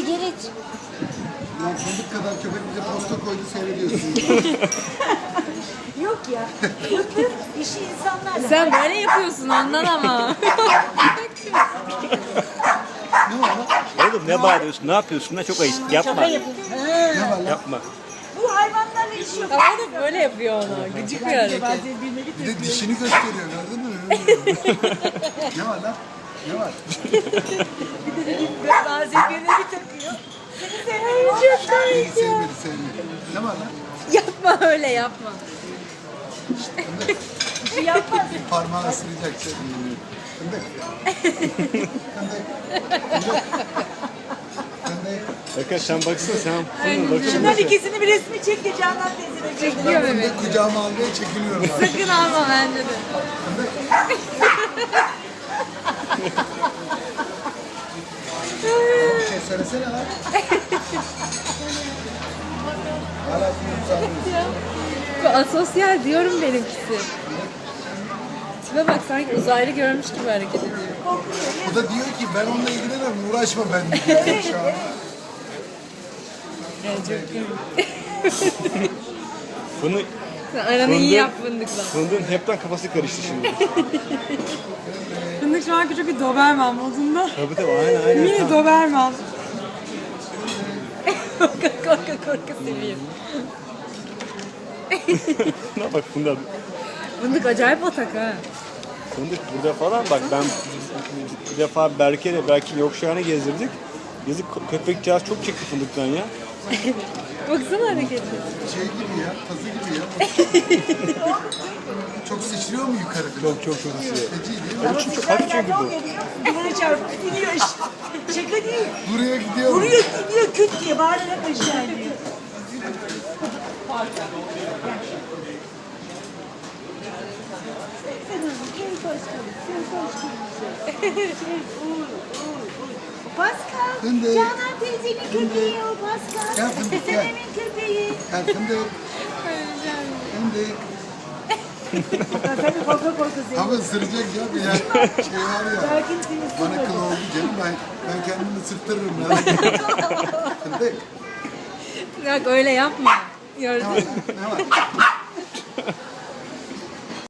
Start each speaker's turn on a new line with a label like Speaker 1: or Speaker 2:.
Speaker 1: Sigara iç.
Speaker 2: Lan fındık kadar köpek bize posta koydu seyrediyorsun.
Speaker 1: Yok ya. İşi insanlarla.
Speaker 3: Sen böyle yapıyorsun ondan ama.
Speaker 2: Ne var lan?
Speaker 4: Oğlum ne bağırıyorsun? Ne yapıyorsun? Ne çok ayıp. Yapma.
Speaker 1: Şaka yapıyorum.
Speaker 2: Ne var lan?
Speaker 4: Yapma.
Speaker 1: Bu hayvanlarla işi yok.
Speaker 3: Ama o da böyle yapıyor ona. Gıcık bir hareket.
Speaker 2: Bir de dişini gösteriyor gördün mü? Ne var lan? Ne var?
Speaker 1: Bazen birine bir takıyor.
Speaker 2: Beni sevmedi sevmedi. Ne var lan?
Speaker 3: Yapma öyle yapma.
Speaker 1: Bir şey yapmaz.
Speaker 2: Parmağı ısıracak şey. Fındık. Fındık. Fındık. Fındık.
Speaker 4: Arkadaş sen baksana sen. Bakın.
Speaker 1: Şunların ikisini bir resmi çek de Canan teyzene çek.
Speaker 3: Çekiyor
Speaker 2: Ben
Speaker 3: Mehmet.
Speaker 2: fındık kucağıma almaya çekiniyorum abi.
Speaker 3: Sakın alma bence de.
Speaker 2: Fındık. Bir şey söylesene lan. Hala sınıf
Speaker 3: Bu asosyal diyorum benimkisi. Tipe bak sanki uzaylı görmüş gibi hareket ediyor.
Speaker 2: O da diyor ki ben onunla ilgilenemem uğraşma benimle diyor şu an.
Speaker 3: Yani çok komik.
Speaker 4: Fındık.
Speaker 3: Sen aranı iyi yap fındıkla.
Speaker 4: Fındığın hepten kafası karıştı şimdi.
Speaker 5: Fındık şu an küçük bir Doberman modunda.
Speaker 4: Tabii tabii aynen.
Speaker 5: Mini Doberman.
Speaker 3: korka seviyor.
Speaker 4: Ne bak Fındık.
Speaker 3: Fındık acayip atak ha.
Speaker 4: Fındık burada falan bak ben bir defa Berke'nin yokuşağını gezdirdik. Yazık köpekcağız çok çekti fındıktan ya.
Speaker 3: Baksana hareketi.
Speaker 2: Şey gibi ya, tazı gibi ya. Çok sıçrıyor mu yukarı falan?
Speaker 4: Çok ısırıyor.
Speaker 2: Feci değil mi?
Speaker 4: Ama çünkü çok hafif çünkü bu.
Speaker 1: Duvara çarpıp gidiyor işte. Şaka değil.
Speaker 2: Buraya gidiyor mu?
Speaker 1: Vuruyor gidiyor küt diye bağırarak aşağı iniyor. Pascal,
Speaker 2: Fındık.
Speaker 1: Canan teyzenin köpeği o Pascal.
Speaker 2: Gel fındık, gel.
Speaker 1: Senemin köpeği.
Speaker 2: Gel fındık. Fındık.
Speaker 1: Tabii korka seviyor.
Speaker 2: Ama ısıracak ya bir yer. Şey var ya.
Speaker 1: Sakin seni
Speaker 2: Bana
Speaker 1: ısırmadı.
Speaker 2: kıl oldu canım ben kendimi ısırtırırım merak etme. Fındık.
Speaker 3: Bak öyle yapma.
Speaker 2: Ne
Speaker 3: Gördün
Speaker 2: var
Speaker 3: mü?
Speaker 2: lan? Ne var?